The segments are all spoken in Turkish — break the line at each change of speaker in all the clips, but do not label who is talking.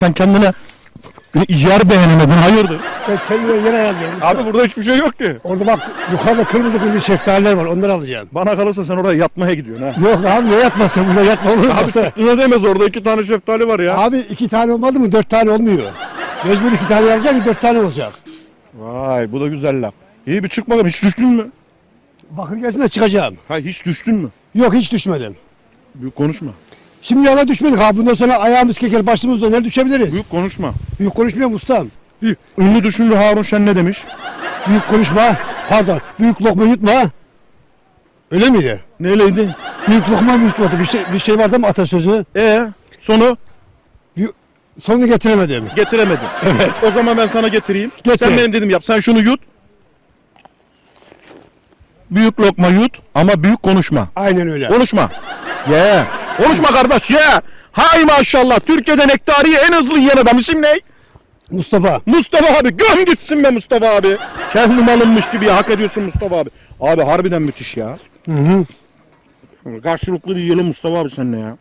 Sen kendine yer beğenemedin, hayırdır?
Ben kendime yer ayarlıyorum.
Abi burada hiçbir şey yok ki.
Orada bak yukarıda kırmızı şeftaliler var, onları alacağım.
Bana kalırsa sen oraya yatmaya gidiyorsun ha.
Yok abi ne yatmasın, burada yatma olur mu?
Abi ne demez, orada 2 tane şeftali var ya.
Abi 2 tane olmadı mı 4 tane olmuyor. Mecbur 2 tane alacak ki 4 tane olacak.
Vay, bu da güzel laf. İyi bir çık bakalım, hiç düştün mü?
Bakır gelsin de çıkacağım.
Hayır, hiç düştün mü?
Yok hiç düşmedim.
Büyük konuşma.
Şimdi yana düşmedik abi, bundan sonra ayağımız keker başımızda nerede düşebiliriz?
Büyük konuşma.
Büyük konuşmuyorum ustam.
Ünlü düşünür Harun Şen ne demiş?
Büyük konuşma, pardon, büyük lokma yutma. Öyle miydi?
Neyleydi?
Büyük lokma yutmadı, bir şey vardı mı atasözü?
Sonu
Sonunu getiremedim.
getiremedim.
Evet.
O zaman ben sana getireyim.
Getir.
Sen benim dedim yap. Sen şunu yut. Büyük lokma yut ama büyük konuşma.
Aynen öyle.
Konuşma. Ye. Konuşma kardeş, ye. Hay maşallah. Türkiye'de nektariyi en hızlı yiyen adam. İsim ne?
Mustafa.
Mustafa abi. Göm gitsin be Mustafa abi. Kendi malınmış gibi hak ediyorsun Mustafa abi. Abi harbiden müthiş ya.
Hı hı.
Karşılıklı bir yiyelim Mustafa abi seninle ya.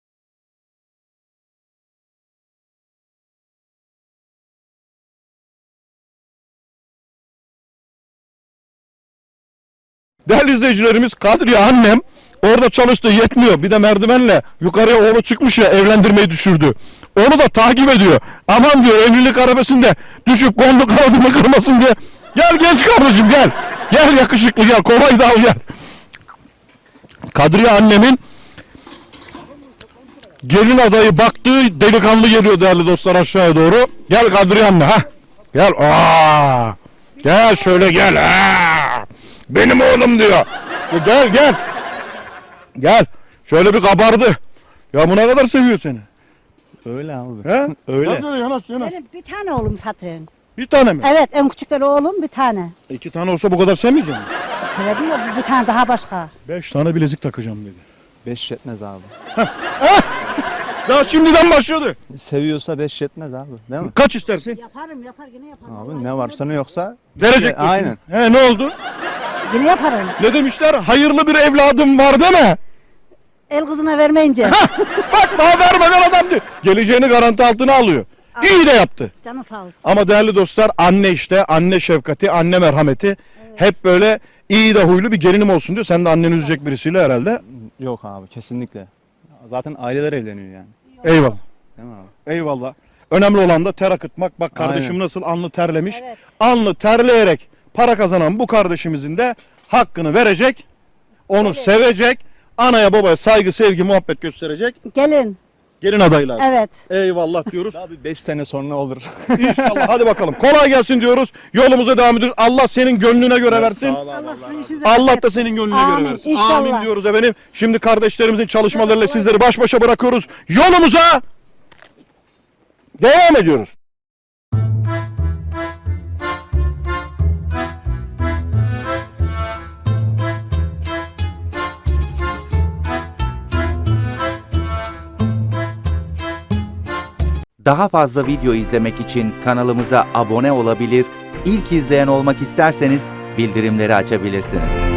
Değerli izleyicilerimiz, Kadriye annem orada çalıştı, yetmiyor. Bir de merdivenle yukarıya oğlu çıkmış ya, evlendirmeyi düşürdü. Onu da takip ediyor. Aman diyor, evlilik arabasında düşüp kondu kanadımı kırmasın diye. Gel genç kardeşim gel. Gel yakışıklı gel, kovayı da al gel. Kadriye annemin gelin adayı baktığı delikanlı geliyor değerli dostlar aşağıya doğru. Gel Kadriye anne ha. Gel. Gel şöyle gel. Benim oğlum diyor. Gel gel. Gel. Şöyle bir kabardı. Ya bu ne kadar seviyor seni.
Öyle abi.
He?
Öyle.
Yanaş.
Benim bir tane oğlum zaten.
Bir tane mi?
Evet, en küçükleri oğlum bir tane.
2 tane olsa bu kadar sevmeyecek misin?
Sebebi yok, bir tane daha başka.
5 tane bilezik takacağım dedi.
5 yetmez abi.
Daha şimdiden başladı.
Seviyorsa 5 yetmez abi. Değil mi?
Kaç istersin?
Yaparım, yine yaparım.
Abi ne varsa ne yoksa.
Verecek misin?
Aynen.
He, ne oldu?
Yine yaparım.
Ne demişler? Hayırlı bir evladım var deme.
El kızına vermeyince.
Bak daha vermeden adam diyor. Geleceğini garanti altına alıyor. İyi de yaptı.
Canı sağ olsun.
Ama değerli dostlar, anne işte, anne şefkati, anne merhameti. Hep böyle iyi de huylu bir gelinim olsun diyor. Sen de anneni üzecek birisiyle herhalde.
Yok abi kesinlikle. Zaten aileler evleniyor yani.
Eyvallah.
Değil mi abi?
Eyvallah. Önemli olan da ter akıtmak. Bak kardeşim
Aynen.
nasıl alnı terlemiş.
Evet.
Alnı terleyerek para kazanan bu kardeşimizin de hakkını verecek. Onu sevecek. Anaya babaya saygı, sevgi, muhabbet gösterecek.
Gelin.
Gelin adaylar.
Evet.
Eyvallah diyoruz.
Abi 5 sene sonra olur.
İnşallah. Hadi bakalım. Kolay gelsin diyoruz. Yolumuza devam ediyoruz. Allah senin gönlüne göre versin.
Sağ ol abi,
Allah
Allah
sizin
razı
işinize
Allah da senin gönlüne
Amin,
göre versin.
inşallah.
Amin diyoruz efendim. Şimdi kardeşlerimizin çalışmalarıyla sizleri baş başa bırakıyoruz. Yolumuza devam ediyoruz.
Daha fazla video izlemek için kanalımıza abone olabilir, ilk izleyen olmak isterseniz bildirimleri açabilirsiniz.